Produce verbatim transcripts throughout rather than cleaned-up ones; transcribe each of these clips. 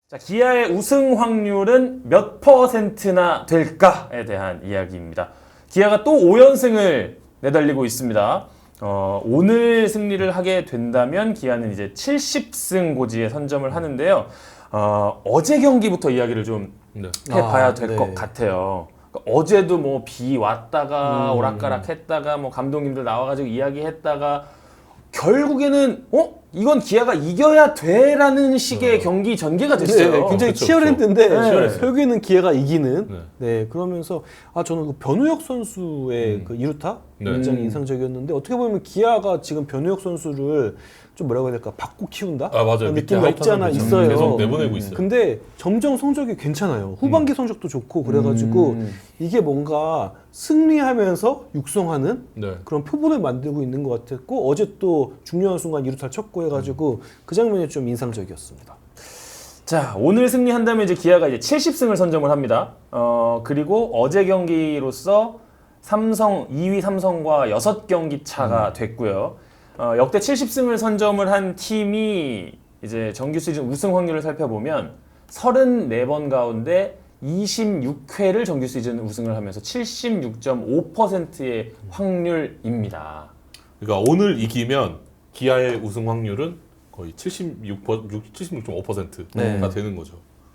자, 기아의 우승 확률은 몇 퍼센트나 될까에 대한 이야기입니다. 기아가 또 오 연승을 내달리고 있습니다. 어, 오늘 승리를 하게 된다면 기아는 이제 칠십 승 고지에 선점을 하는데요. 어, 어제 경기부터 이야기를 좀 네. 해봐야 아, 될 것 네. 같아요. 그러니까 어제도 뭐 비 왔다가 음. 오락가락 했다가 뭐 감독님들 나와가지고 이야기했다가 결국에는 어? 이건 기아가 이겨야 돼라는 식의 네. 경기 전개가 됐어요. 네, 굉장히 그쵸, 치열했는데 그쵸. 네. 결국에는 기아가 이기는. 네. 네. 그러면서 아 저는 그 변우혁 선수의 음. 그 이루타 네. 굉장히 음. 인상적이었는데 어떻게 보면 기아가 지금 변우혁 선수를 좀 뭐라고 해야 될까 바꿔 키운다. 아 맞아요. 그런 밑에 느낌이 없지 않아 하이탄을 있어요. 계속 내보내고 있어요. 근데 점점 성적이 괜찮아요. 후반기 성적도 좋고 그래가지고 음. 이게 뭔가 승리하면서 육성하는 네. 그런 표본을 만들고 있는 것 같았고 어제 또 중요한 순간 이루타를 쳤고 해가지고 그 장면이 좀 인상적이었습니다. 자, 오늘 승리한다면 이제 기아가 이제 칠십 승을 선점을 합니다. 어, 그리고 어제 경기로서 삼성 이 위 삼성과 여섯 경기 차가 음. 됐고요. 어, 역대 칠십 승을 선점을 한 팀이 이제 정규 시즌 우승 확률을 살펴보면 삼십사 번 가운데 이십육 회를 정규 시즌 우승을 하면서 칠십육 점 오 퍼센트의 확률입니다. 그러니까 오늘 이기면 기아의 우승 확률은 거의 칠십육, 칠십육 점 오 퍼센트가 네. 되는 거죠.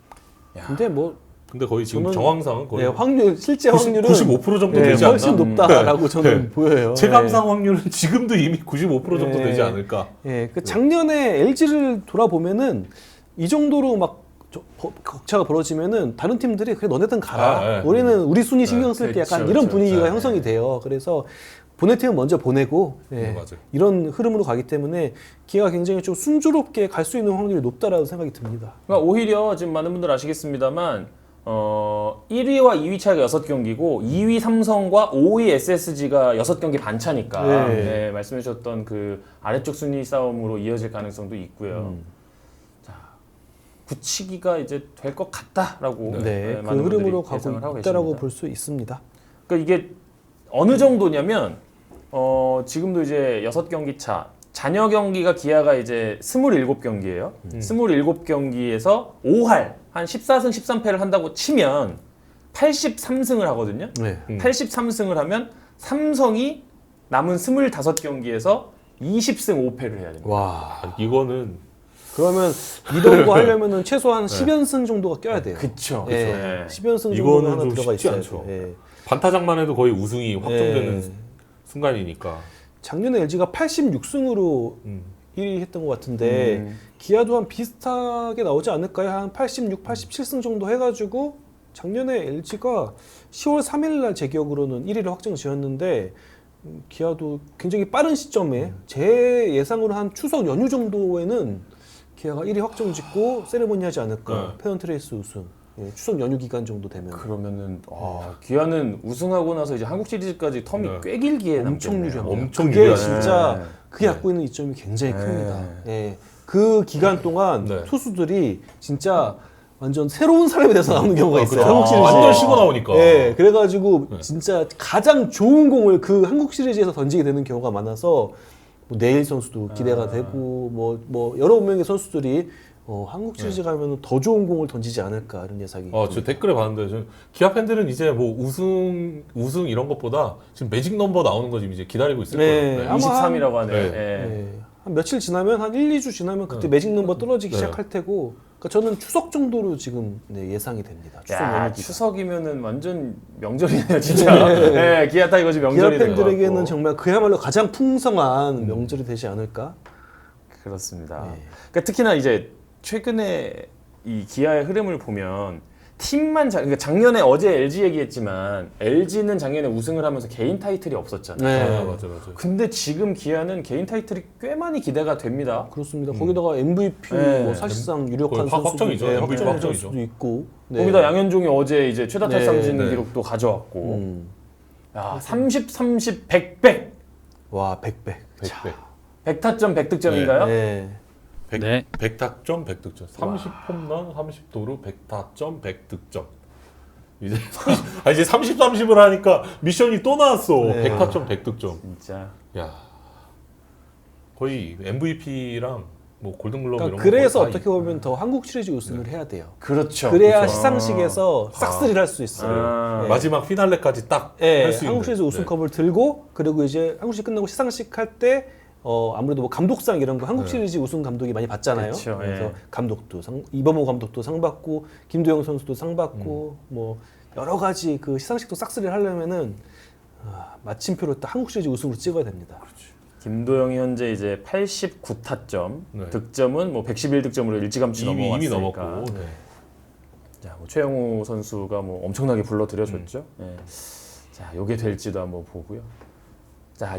근데 뭐 근데 거의 지금 저는- 정황상은 거의 네, 확률 실제 구십, 확률은 구십오 퍼센트 정도 네, 되지 않나? 훨씬 높다라고 저는 네. 보여요. 체감상 확률은 지금도 이미 구십오 퍼센트 정도 네. 되지 않을까? 예, 그 작년에 엘지를 돌아보면은 이 정도로 막 저- 버- 격차가 벌어지면은 다른 팀들이 그래 너네들은 가라. 아, 네. 우리는 우리 순위 신경 쓸게 그렇죠, 약간 이런 그렇죠. 분위기가 네. 형성이 돼요. 그래서 보낼 팀은 먼저 보내고 예, 네, 맞아요. 이런 흐름으로 가기 때문에 기아가 굉장히 좀 순조롭게 갈 수 있는 확률이 높다라고 생각이 듭니다. 그러니까 오히려 지금 많은 분들 아시겠습니다만 어, 일 위와 이 위 차이가 여섯 경기고 이 위 삼성과 오 위 에스에스지가 여섯 경기 반 차니까 네. 네, 말씀해 주셨던 그 아래쪽 순위 싸움으로 이어질 가능성도 있고요. 음. 자, 굳히기가 이제 될 것 같다라고 네. 네, 네, 그 많은 분들이 흐름으로 가고 예상을 하고 있다라고 계십니다. 볼 수 있습니다. 그러니까 이게 어느 정도냐면 어, 지금도 이제 여섯 경기 차 잔여 경기가 기아가 이제 스물일곱 경기예요. 음. 스물일곱 경기에서 오 할, 한 십사 승 십삼 패를 한다고 치면 팔십삼 승을 하거든요. 네. 음. 팔십삼 승을 하면 삼성이 남은 스물다섯 경기에서 이십 승 오 패를 해야 됩니다. 와. 아, 이거는 그러면 이런 거 하려면은 최소한 십 연승 정도가 껴야 돼요. 그쵸. 예, 그쵸. 네. 십 연승 정도가 이거는 하나 좀 들어가 쉽지 있어야 않죠. 돼요. 예. 반타작만 해도 거의 우승이 확정되는 예. 순간이니까. 작년에 엘지가 팔십육 승으로 음. 일 위 했던 것 같은데 음. 기아도 한 비슷하게 나오지 않을까요? 한 팔십육, 팔십칠 승 정도 해가지고 작년에 엘지가 시월 삼일 날 제 기억으로는 일 위를 확정 지었는데 음, 기아도 굉장히 빠른 시점에 제 예상으로 한 추석 연휴 정도에는 기아가 일 위 확정 짓고 세레모니 하지 않을까. 네. 페넌트레이스 우승. 예, 추석 연휴 기간 정도 되면 그러면은 와, 기아는 우승하고 나서 이제 한국 시리즈까지 텀이 네. 꽤 길게 엄청 남겠네요. 유리합니다. 엄청 그게 유리하네. 진짜 네. 그게 네. 갖고 있는 이점이 굉장히 네. 큽니다. 예. 그 기간 동안 네. 투수들이 진짜 완전 새로운 사람이 돼서 나오는 경우가 아, 있어요. 그쵸. 한국 아, 시리즈에. 완전 쉬고 나오니까. 예, 그래가지고 네. 진짜 가장 좋은 공을 그 한국 시리즈에서 던지게 되는 경우가 많아서 뭐 내일 선수도 기대가 아. 되고 뭐 뭐 여러 명의 선수들이 어, 한국 시리즈 네. 가면 더 좋은 공을 던지지 않을까 이런 예상이. 어, 저 댓글에 봤는데 저 기아 팬들은 이제 뭐 우승 우승 이런 것보다 지금 매직 넘버 나오는 거 지금 이제 기다리고 있을 네. 거예요. 네. 아마 이십삼이라고 하네요. 네. 예. 예. 한 며칠 지나면 한 일, 이 주 지나면 그때 네. 매직 넘버 떨어지기 네. 시작할 테고 그러니까 저는 추석 정도로 지금 네, 예상이 됩니다. 추석 야, 연휴 기간. 추석이면은 완전 명절이네요, 진짜. 네, 기아 타이거즈 기아 명절이 될 것 팬들에게는 같고. 정말 그야말로 가장 풍성한 음. 명절이 되지 않을까? 그렇습니다. 네. 그러니까 특히나 이제 최근에 이 기아의 흐름을 보면 팀만 자, 그러니까 작년에 어제 엘지 얘기했지만 엘지는 작년에 우승을 하면서 개인 타이틀이 없었잖아요. 네. 아, 맞아 맞아. 근데 지금 기아는 개인 타이틀이 꽤 많이 기대가 됩니다. 그렇습니다. 음. 거기다가 엠브이피 네. 뭐 사실상 유력한 거의 확- 선수도 확정이죠. 네, 엠브이피 확정된 확정이죠. 선수도 있고. 네. 거기다 양현종이 어제 이제 최다 네. 탈삼진 네. 기록도 가져왔고, 음. 야, 삼십, 삼십, 백, 백. 와, 백백. 백 배. 백 타점 백 득점인가요? 네. 백, 네. 백 타점 백 득점. 삼십 홈런, 삼십 도루, 백 타점, 백 득점. 이제 삼십, 아 이제 삼십, 삼십을 하니까 미션이 또 나왔어. 네. 백 타점, 백 득점. 진짜. 야. 거의 엠브이피랑 뭐 골든글러브 그러니까 이런 그래서 거 어떻게 보면 더 한국 시리즈 우승을 해야 돼요. 그렇죠. 그래야 그렇죠. 시상식에서 싹쓸이를 할 수 있어요. 아. 예. 마지막 피날레까지 딱 할 예, 수 있는. 한국 시리즈 네. 우승컵을 들고 그리고 이제 한국 시리즈 끝나고 시상식 할 때 어, 아무래도 뭐 감독상 이런 거 한국 네. 시리즈 우승 감독이 많이 받잖아요. 그쵸, 그래서 예. 감독도 상, 이범호 감독도 상 받고 김도영 선수도 상 받고 뭐 여러 가지 그 시상식도 싹쓸이를 하려면은 아, 마침표로 딱 한국 시리즈 우승으로 찍어야 됩니다. 김도영이 현재 이제 팔십구 타점, 네. 득점은 뭐 백십일 득점으로 일찌감치 이미 넘어갔으니까. 이미 넘었고. 네. 자, 뭐 최영우 선수가 뭐 엄청나게 불러들여줬죠. 예. 자, 요게 될지도 한번 보고요. 자,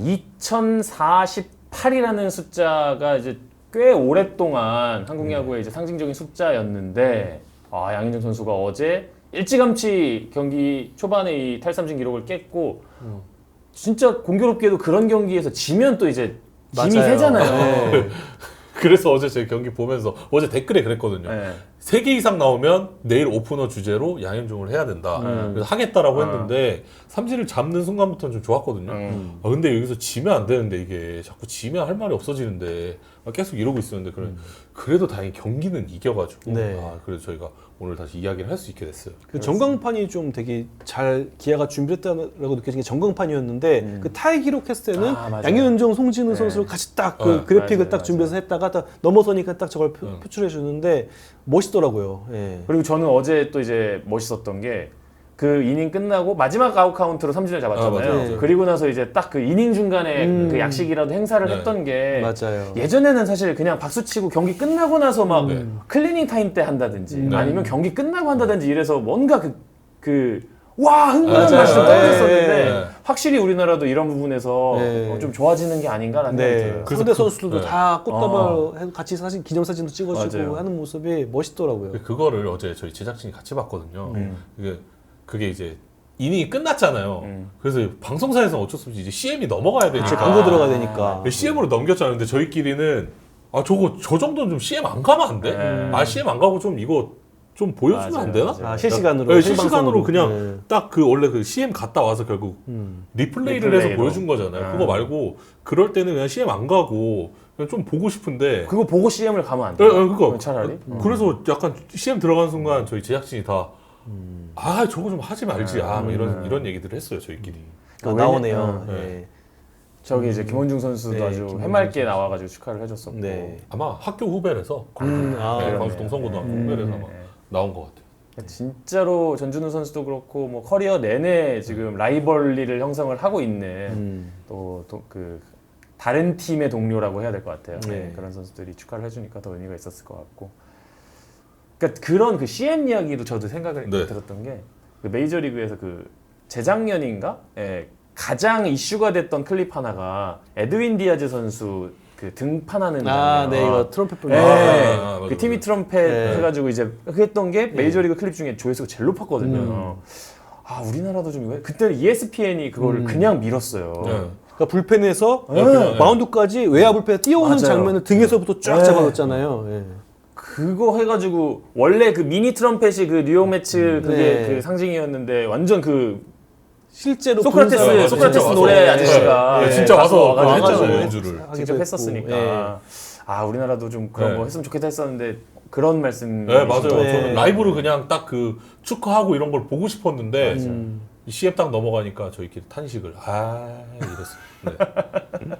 이천사십팔이라는 숫자가 이제 꽤 오랫동안 한국 야구의 이제 상징적인 숫자였는데, 아, 양현종 선수가 어제 일찌감치 경기 초반에 이 탈삼진 기록을 깼고, 음. 진짜 공교롭게도 그런 경기에서 지면 또 이제 힘이 맞아요. 세잖아요. 네. 그래서 어제 제 경기 보면서 어제 댓글에 그랬거든요. 네. 세 개 이상 나오면 내일 오프너 주제로 양현종을 해야 된다. 음. 그래서 하겠다라고 음. 했는데 삼진을 잡는 순간부터는 좀 좋았거든요. 음. 아, 근데 여기서 지면 안 되는데 이게 자꾸 지면 할 말이 없어지는데 아, 계속 이러고 있었는데 그래, 그래도 다행히 경기는 이겨가지고 네. 아, 그래서 저희가 오늘 다시 이야기를 할 수 있게 됐어요. 그 전광판이 좀 되게 잘 기아가 준비했다라고 느껴진 게 전광판이었는데 음. 그 타이 기록했을 때는 아, 맞아요. 양현종, 송진우 네. 선수를 같이 딱 그 네, 그래픽을 맞아요, 딱 맞아요. 준비해서 했다가 딱 넘어서니까 딱 저걸 표, 음. 출해 주는데 멋있더라고요. 예. 그리고 저는 어제 또 이제 멋있었던 게 그 이닝 끝나고 마지막 아웃 카운트로 삼진을 잡았잖아요. 아, 맞아요, 맞아요. 그리고 나서 이제 딱 그 이닝 중간에 음. 그 약식이라도 행사를 네. 했던 게 맞아요. 예전에는 사실 그냥 박수 치고 경기 끝나고 나서 막 네. 클리닝 타임 때 한다든지 음. 아니면 경기 끝나고 한다든지 이래서 뭔가 그 그 와 흥분한 맞아요. 맛이 좀 네. 떨어졌었는데 네. 확실히 우리나라도 이런 부분에서 네. 어, 좀 좋아지는 게 아닌가라는 생각이 네. 들어요. 그래서 상대 그- 선수들도 네. 다 꽃다발 어. 해서 같이 사진 기념사진도 찍어주고 맞아요. 하는 모습이 멋있더라고요. 그거를 어제 저희 제작진이 같이 봤거든요. 음. 그게, 그게 이제 이닝이 끝났잖아요. 음. 그래서 방송사에서는 어쩔 수 없이 이제 씨엠이 넘어가야 되니까 그치, 광고 들어가야 되니까. 씨엠으로 넘겼잖아요. 근데 저희끼리는 아 저거 저 정도는 좀 씨엠 안 가면 안 돼? 음. 아 씨엠 안 가고 좀 이거 좀 보여주면 맞아요, 안 되나? 맞아요. 아, 실시간으로 네, 생방송으로. 실시간으로 그냥 네. 딱 그 원래 그 씨엠 갔다 와서 결국 음. 리플레이를 리플레이로. 해서 보여준 거잖아요. 음. 그거 말고 그럴 때는 그냥 씨엠 안 가고 그냥 좀 보고 싶은데 그거 보고 씨엠을 가면 안 예, 돼요? 예, 그거 차라리? 그래서 약간 씨엠 들어간 순간 저희 제작진이 다 아 저거 좀 하지 말지 아 뭐 이런 음. 이런 얘기들을 했어요 저희끼리. 아, 왜냐- 나오네요. 음. 예. 저기 이제 김원중 선수도 네, 아주 김원중 해맑게 선수. 나와가지고 축하를 해줬었고. 네. 아마 학교 후배라서 음, 아, 네, 그러네요. 광주 동성고등학교 음. 후배라서 아마 네. 나온 것 같아요. 진짜로 전준우 선수도 그렇고 뭐 커리어 내내 지금 라이벌리를 형성을 하고 있는 음. 또 그 다른 팀의 동료라고 해야 될 것 같아요. 네. 네, 그런 선수들이 축하를 해주니까 더 의미가 있었을 것 같고. 그러니까 그런 그 씨엠 이야기도 저도 생각을 네. 들었던 게 그 메이저리그에서 그 재작년인가 예, 가장 이슈가 됐던 클립 하나가 에드윈 디아즈 선수 그 등판하는 아, 장면. 네, 이거 트럼펫 불. 예, 아, 맞아, 그 맞아. 티미 트럼펫 네. 해가지고 이제 했던 게 메이저리그 클립 중에 조회수가 제일 높았거든요. 음. 아 우리나라도 좀 이거 그때는 이에스피엔이 그거를 음. 그냥 밀었어요. 네. 그러니까 불펜에서 네. 그냥, 마운드까지 외야 불펜에 뛰어오는 맞아요. 장면을 등에서부터 쫙 네. 잡아줬잖아요. 예. 그거 해가지고 원래 그 미니 트럼펫이 그 뉴욕 매츠 그게 네. 그 상징이었는데 완전 그 실제로 소크라테스 본 사람- 소크라테스 진짜 노래 와서. 아저씨가 네, 예, 진짜 가서 와서 와가지고 그거 했잖아요, 했잖아요. 연주를. 하기도 직접 했고. 했었으니까 예. 아 우리나라도 좀 그런 네. 거 했으면 좋겠다 했었는데 그런 말씀 네 맞아요. 네. 저는 라이브로 그냥 딱 그 축하하고 이런 걸 보고 싶었는데 음. 씨엠 딱 넘어가니까 저희끼리 탄식을 아 이랬어. 네.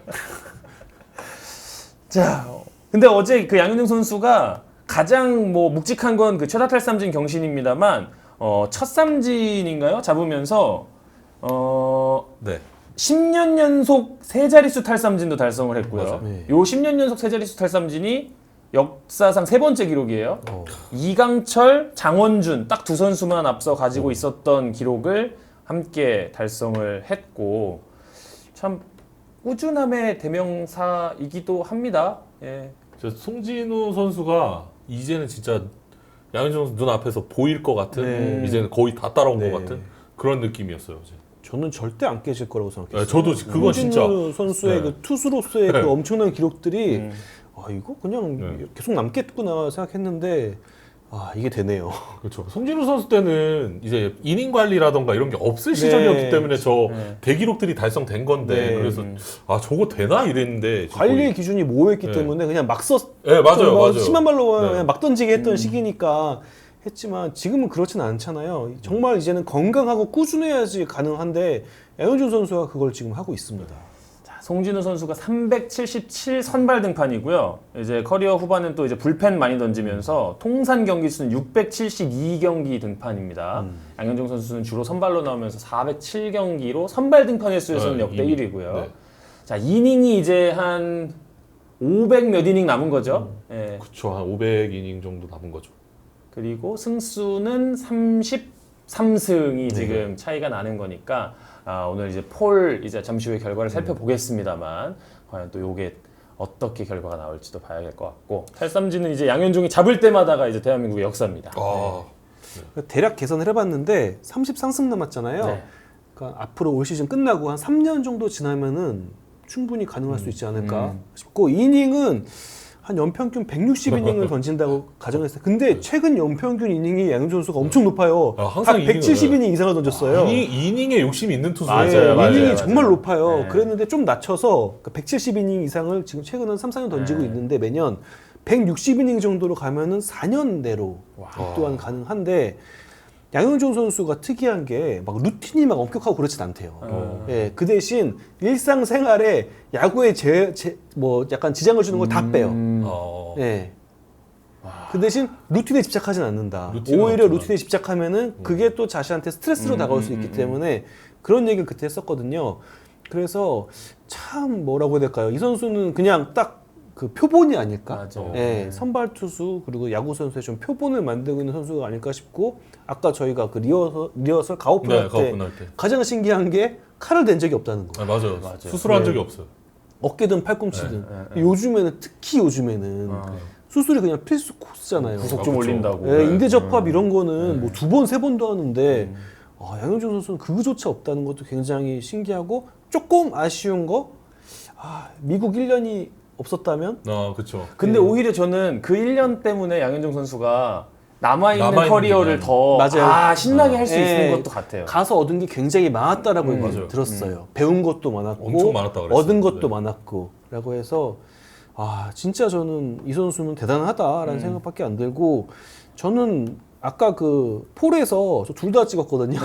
자, 근데 어제 그 양현종 선수가 가장 뭐 묵직한 건 그 최다 탈삼진 경신입니다만 어, 첫 삼진인가요? 잡으면서 어, 네. 십 년 연속 세 자릿수 탈삼진도 달성을 했고요. 맞아요. 네. 요 십 년 연속 세 자릿수 탈삼진이 역사상 세 번째 기록이에요. 어. 이강철, 장원준 딱 두 선수만 앞서 가지고 있었던 기록을 함께 달성을 했고 참 꾸준함의 대명사이기도 합니다. 예. 저 송진우 선수가 이제는 진짜 양현종 선수 눈 앞에서 보일 것 같은 네. 이제는 거의 다 따라온 네. 것 같은 그런 느낌이었어요. 어제. 저는 절대 안 깨질 거라고 생각했어요. 네, 저도 그건 진짜 홍진우 선수의 네. 그 투수로서의 네. 그 엄청난 기록들이 음. 아 이거 그냥 네. 계속 남겠구나 생각했는데 아 이게 되네요. 그렇죠. 송진우 선수 때는 이제 이닝 관리라던가 이런 게 없을 시절이었기 때문에 저 네. 대기록들이 달성된 건데 네. 그래서 아 저거 되나 이랬는데 지금 관리의 거의- 기준이 모호했기 네. 때문에 그냥 막 썼. 네 맞아요 뭐 맞아요. 심한 말로 네. 그냥 막 던지게 했던 음. 시기니까 했지만 지금은 그렇진 않잖아요. 정말 이제는 건강하고 꾸준해야지 가능한데 양현종 선수가 그걸 지금 하고 있습니다. 자, 송진우 선수가 삼백칠십칠 선발 등판이고요. 이제 커리어 후반은 또 이제 불펜 많이 던지면서 통산 경기 수는 육백칠십이 경기 등판입니다. 음. 양현종 선수는 주로 선발로 나오면서 사백칠 경기로 선발 등판 횟수에서는 네, 역대 이닝. 일 위고요. 네. 자, 이닝이 이제 한 오백 몇 이닝 남은 거죠. 예. 그렇죠. 한 오백 이닝 정도 남은 거죠. 그리고 승수는 삼십삼 승이 네. 지금 차이가 나는 거니까 아, 오늘 이제 폴 이제 잠시 후에 결과를 살펴보겠습니다만 과연 또 요게 어떻게 결과가 나올지도 봐야 될 것 같고 탈삼진은 이제 양현종이 잡을 때마다가 이제 대한민국의 역사입니다. 아 대략 계산을 해봤는데 삼십삼 승 남았잖아요. 네. 그러니까 앞으로 올 시즌 끝나고 한 삼 년 정도 지나면은 충분히 가능할 수 있지 않을까 음. 싶고 이닝은 한 연평균 백육십 이닝을 던진다고 가정했어요. 근데 최근 연평균 이닝이 양현종 선수가 엄청 높아요. 아, 항상 다 이닝을- 백칠십 이닝 이상을 던졌어요. 이닝, 이닝에 욕심이 있는 투수. 맞아요, 네, 맞아요, 이닝이 맞아요. 정말 높아요. 네. 그랬는데 좀 낮춰서 백칠십 이닝 이상을 지금 최근 한 삼, 사 년 던지고 네. 있는데 매년 백육십 이닝 정도로 가면은 사 년 내로 와. 또한 가능한데 양현종 선수가 특이한 게 막 루틴이 막 엄격하고 그렇진 않대요. 어. 예, 그 대신 일상생활에 야구에 제, 제, 뭐 약간 지장을 주는 걸 다 빼요. 음. 어. 예. 그 대신 루틴에 집착하진 않는다. 루틴은 오히려 없지만. 루틴에 집착하면은 그게 또 자신한테 스트레스로 음, 다가올 수 음, 있기 음, 때문에 그런 얘기를 그때 했었거든요. 그래서 참 뭐라고 해야 될까요? 이 선수는 그냥 딱 그 표본이 아닐까? 맞아요. 예, 네. 선발 투수 그리고 야구 선수의 좀 표본을 만들고 있는 선수가 아닐까 싶고 아까 저희가 그 리허설, 리허설 가오픈 네, 할 때 가오픈 할 때. 가장 신기한 게 칼을 댄 적이 없다는 거. 아, 맞아요. 맞아요. 수술한 네. 적이 없어요. 어깨든 팔꿈치든. 네, 네, 네. 요즘에는 특히 요즘에는 아. 수술이 그냥 필수 코스잖아요. 구속 아, 좀 그쵸. 올린다고. 예, 네. 인대 접합 이런 네. 거는 뭐 두 번 세 번도 하는데 음. 아, 양현종 선수는 그거조차 없다는 것도 굉장히 신기하고 조금 아쉬운 거 아, 미국 일 년이 없었다면 아, 그렇죠. 근데 네. 오히려 저는 그 일 년 때문에 양현종 선수가 남아있는 남아있는 커리어를 기간. 더 맞아요. 아, 신나게 할 수 네. 있는 것도 같아요. 가서 얻은 게 굉장히 많았다라고 음, 얘기 맞아요. 들었어요. 배운 것도 많았고 엄청 많았다 그랬어요. 얻은 것도 네. 많았고 라고 해서 아 진짜 저는 이 선수는 대단하다라는 음. 생각밖에 안 들고 저는 아까 그 폴에서 둘 다 찍었거든요.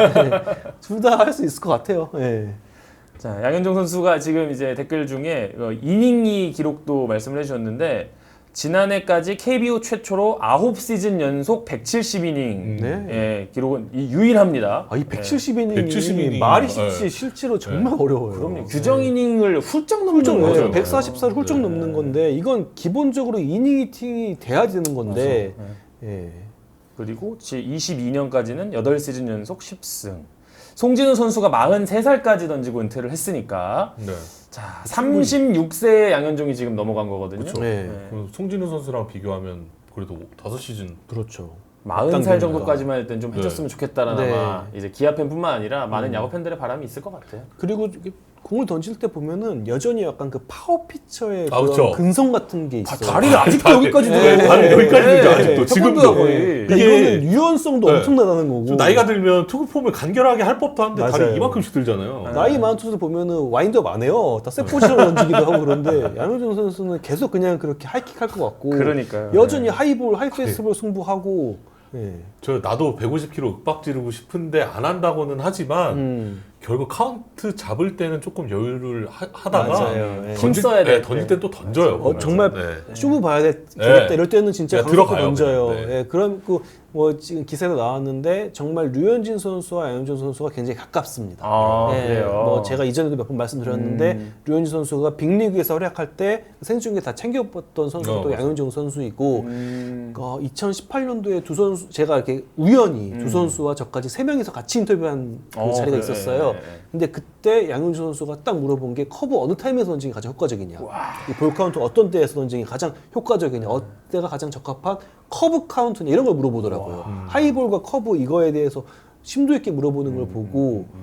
둘 다 할 수 있을 것 같아요. 예. 자, 양현종 선수가 지금 이제 댓글 중에 어, 이닝이 기록도 말씀을 해주셨는데 지난해까지 케이비오 최초로 아홉 시즌 연속 백칠십 이닝 음. 네. 예, 기록은 이- 유일합니다. 아, 이 백칠십 이닝이 백칠십 이닝이 말이 쉽지 네. 실제로 정말 어려워요. 네. 그럼요. 규정 이닝을 훌쩍 넘는 훌쩍 거죠. 넘어요. 백사십사를 훌쩍 네. 넘는 건데 이건 기본적으로 이닝 히팅이 돼야 되는 건데 예. 그리고 이십이 년까지는 여덟 시즌 연속 십 승. 송진우 선수가 마흔세 살까지 던지고 은퇴를 했으니까 네. 자, 삼십육 세에 양현종이 지금 넘어간 거거든요. 그쵸. 네. 네. 그 송진우 선수랑 비교하면 그래도 다섯 시즌. 그렇죠. 마흔 살 당기니까. 정도까지만 할 땐 좀 네. 해줬으면 좋겠다라는 네. 아마 이제 기아 팬뿐만 아니라 많은 야구 팬들의 바람이 있을 것 같아요. 그리고 이게 공을 던질 때 보면은 여전히 약간 그 파워 피처의 아, 그런 그쵸. 근성 같은 게 있어요. 다리를 아직도 다리- 여기까지 네, 들어요. 다리 여기까지 들죠, 네, 아직도. 네. 지금도. 태권도야, 거의. 그러니까 이게- 이거는 유연성도 네. 엄청나다는 거고. 좀 나이가 들면 투구 폼을 간결하게 할 법도 한데 맞아요. 다리 이만큼씩 들잖아요. 나이 많은 투수 보면은 와인드업 안 해요. 다 세포지로 던지기도 하고 그런데 양현종 선수는 계속 그냥 그렇게 하이킥 할 것 같고. 그러니까요. 여전히 네. 하이볼, 하이페이스볼 승부하고. 예. 저 나도 백오십 킬로그램 윽박 지르고 싶은데 안 한다고는 하지만 음. 결국 카운트 잡을 때는 조금 여유를 하, 하다가 맞아요. 예. 힘 던질, 써야 될 네, 던질 때. 때 또 던져요. 어, 보면. 정말 네. 쇼부 봐야 되겠다 네. 이럴 때는 진짜 네, 강력히 들어가요, 던져요. 그냥. 네. 예, 그럼 그 뭐 지금 기사에도 나왔는데 정말 류현진 선수와 양현종 선수가 굉장히 가깝습니다. 아, 예, 그래요. 뭐 제가 이전에도 몇 번 말씀드렸는데 음. 류현진 선수가 빅리그에서 활약할 때 생중계 다 챙겨봤던 선수가 어, 또 맞아요. 양현종 선수이고 음. 어, 이천십팔 년도에 두 선수 제가 이렇게 우연히 음. 두 선수와 저까지 세 명이서 같이 인터뷰한 그 어, 자리가 그래. 있었어요. 예, 예. 근데 그때 양현종 선수가 딱 물어본 게 커브 어느 타임에서 던지는 게 가장 효과적이냐, 이 볼 카운트 어떤 때에서 던지는 게 가장 효과적이냐, 어때가 가장 적합한 커브 카운트냐 이런 걸 물어보더라고요. 하이볼과 커브 이거에 대해서 심도 있게 물어보는 걸 보고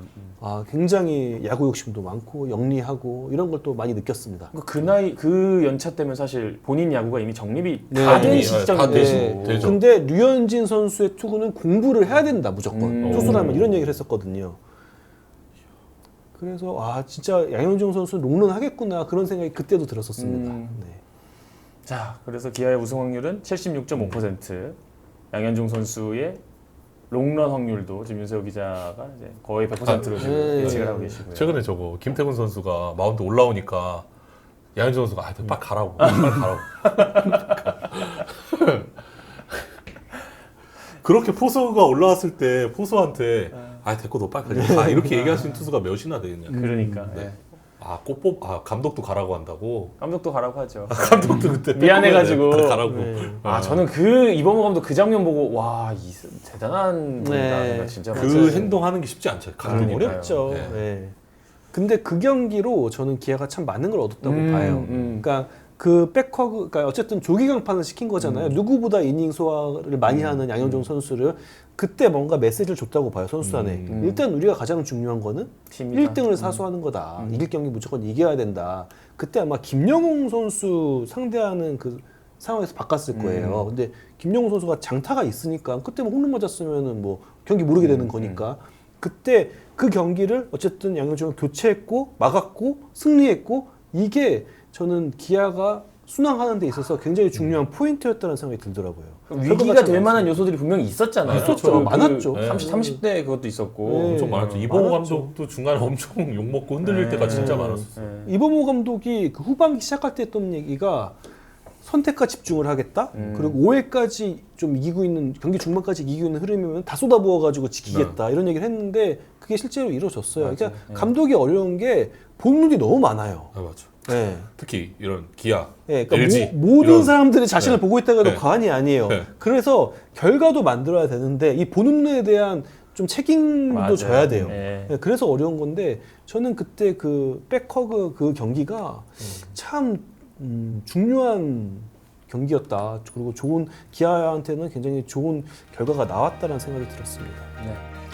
아, 굉장히 야구 욕심도 많고 영리하고 이런 걸 또 많이 느꼈습니다. 그 나이 그 연차 때면 사실 본인 야구가 이미 정립이 네. 다 된 이미, 시점인데 다 되신- 되죠. 근데 류현진 선수의 투구는 공부를 해야 된다 무조건 음. 투수라면 이런 얘기를 했었거든요. 그래서 아 진짜 양현종 선수 롱런 하겠구나 그런 생각이 그때도 들었었습니다. 음. 네. 자, 그래서 기아의 우승 확률은 칠십육 점 오 퍼센트. 양현종 선수의 롱런 확률도 지금 윤세호 기자가 이제 거의 백 퍼센트로 지금 네. 예측을 하고 계시고요. 최근에 저거 김태군 선수가 마운드 올라오니까 양현종 선수가 아, 빨리 가라고, 빨리 가라고. 그렇게 포수가 올라왔을 때 포수한테 아 됐고 너 빨리 가자 아, 이렇게 얘기할 수 있는 투수가 몇이나 되겠냐. 그러니까 네. 예. 아, 꽃뽑 아 감독도 가라고 한다고. 감독도 가라고 하죠. 감독도 그때 미안해가지고. 빨리 가라고. 네. 아, 저는 그 이범호 감독 그 장면 보고 와, 이 대단한 분이다. 네. 생각 진짜 그 많이 행동하는 게 쉽지 않죠. 아, 감독이. 그러니까요. 어렵죠. 네. 네. 근데 그 경기로 저는 기아가 참 많은 걸 얻었다고 음, 봐요. 음. 그러니까 그 백허그, 그러니까 어쨌든 조기 강판을 시킨 거잖아요. 누구보다 이닝 소화를 많이 하는 양현종 선수를 그때 뭔가 메시지를 줬다고 봐요 선수단에. 음. 일단 우리가 가장 중요한 거는 팀이다. 일 등을 사수하는 거다. 이길 경기 무조건 이겨야 된다. 그때 아마 김영웅 선수 상대하는 그 상황에서 바꿨을 거예요. 근데 김영웅 선수가 장타가 있으니까 그때 뭐 홈런 맞았으면은 뭐 경기 모르게 되는 거니까 그때 그 경기를 어쨌든 양현종을 교체했고 막았고 승리했고 이게 저는 기아가 순항하는 데 있어서 굉장히 중요한 포인트였다는 생각이 들더라고요. 위기가 될 만한 요소들이 분명히 있었잖아요. 있었죠. 그 많았죠. 그 삼십, 삼십 대 그것도 있었고. 네. 엄청 많았죠. 이봉호 많았죠. 감독도 중간에 엄청 욕 먹고 흔들릴 네. 때가 진짜 네. 많았어요. 네. 이범호 감독이 그 후반기 시작할 때 했던 얘기가 선택과 집중을 하겠다. 음. 그리고 오 회까지 좀 이기고 있는 경기 중반까지 이기고 있는 흐름이면 다 쏟아부어가지고 지키겠다 이런 얘기를 했는데 그게 실제로 이루어졌어요. 맞아. 그러니까 네. 감독이 어려운 게 본능이 너무 많아요. 아, 맞죠. 네. 특히 이런 기아, 네, 그러니까 엘지 모, 모든 이런- 사람들이 자신을 네. 보고 있다고 해도 네. 과언이 아니에요. 네. 그래서 결과도 만들어야 되는데 이 본능에 대한 좀 책임도 맞아요. 져야 돼요. 네. 네, 그래서 어려운 건데 저는 그때 그 백허그 그 경기가 참 음, 중요한 경기였다. 그리고 좋은 기아한테는 굉장히 좋은 결과가 나왔다는 생각이 들었습니다. 네.